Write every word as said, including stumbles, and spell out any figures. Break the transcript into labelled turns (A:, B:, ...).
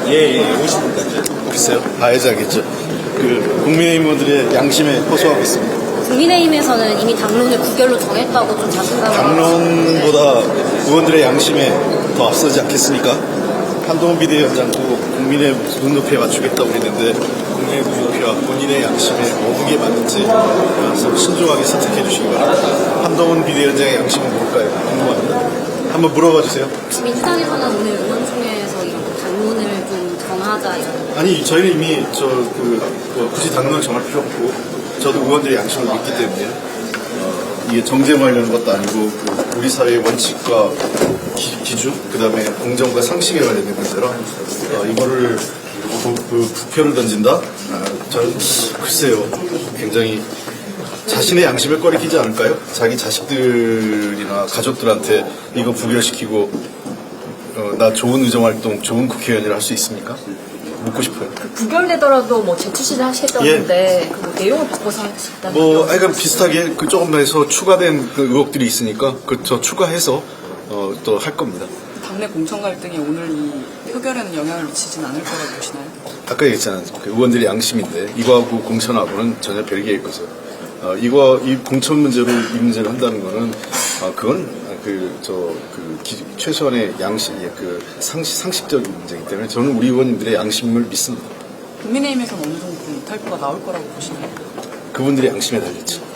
A: 예, 예, 오십 분까지.
B: 글쎄요, 봐야지 알겠죠. 그 국민의힘 의원들의 양심에 호소하고 있습니다.
C: 국민의힘에서는 이미 당론을 구결로 정했다고 좀 자신감을
B: 당론보다 의원들의 양심에 더 앞서지 않겠습니까? 한동훈 비대위원장도 국민의 눈높이에 맞추겠다고 그랬는데 국민의 눈높이와 본인의 양심에 어디게 맞는지 서로 신중하게 선택해 주시기 바랍니다. 한동훈 비대위원장의 양심은 뭘까요? 궁금합니다. 한번 물어봐 주세요.
C: 민주당에서는 오늘 의원총회에서 이런 당론을 좀 정하자 이런.
B: 아니 저희는 이미 저그 뭐 굳이 당론을 정할 필요 없고 저도 의원들의 양심을 믿기 때문에 어, 이게 정쟁하려는 것도 아니고 그 우리 사회의 원칙과 기, 기준 그다음에 공정과 상식에 관련된 문제라 어, 이거를 부, 그 부표를 던진다? 아, 저는 글쎄요 굉장히 자신의 양심을 꺼리키지 않을까요? 자기 자식들이나 가족들한테 이거 부결시키고 어, 나 좋은 의정활동 좋은 국회의원이라 할 수 있습니까? 묻고 싶어요.
D: 그 부결되더라도 뭐 재출시를 하시겠다고
B: 예.
D: 하는데 그 뭐 내용을 바꿔서 하시겠다는
B: 뭐, 하여간 비슷하게 그 조금 더 해서 추가된 그 의혹들이 있으니까 그저 추가해서 어, 또 할 겁니다.
E: 당내 공천 갈등이 오늘 이 표결에는 영향을 미치진 않을 거라고 보시나요?
B: 아까 얘기했잖아요. 그 의원들의 양심인데 이거하고 공천하고는 전혀 별개의 것을. 어, 이거 이 공천 문제로 이 문제를 한다는 거는 어, 그건 그 저 그 최소한의 양심, 그 상식 상식적인 문제이기 때문에 저는 우리 의원님들의 양심을 믿습니다.
E: 국민의힘에서는 어느 정도 이탈표가 나올 거라고 보시나요?
B: 그분들의 양심에 달렸죠.